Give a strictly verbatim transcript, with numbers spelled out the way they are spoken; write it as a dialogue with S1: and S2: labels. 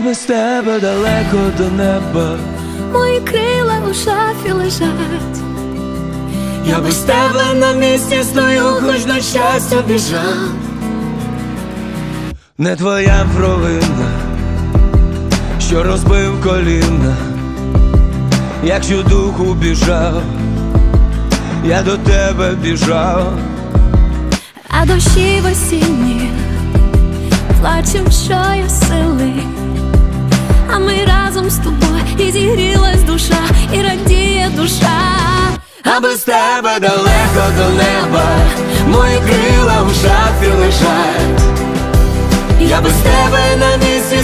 S1: без тебе далеко до неба,
S2: мої крила у шафі лежать.
S1: я без тебе на місці стою, хоч на щастя біжав. Не твоя провина, що розбив коліна, якщо духу біжав, я до тебе біжав.
S2: А дощі в осінні плачем, що є сили, а ми разом з тобою, і зігрілась душа, і радіє душа.
S1: А без тебе далеко до неба, мої крила в шафі лежать. Я без тебе на місці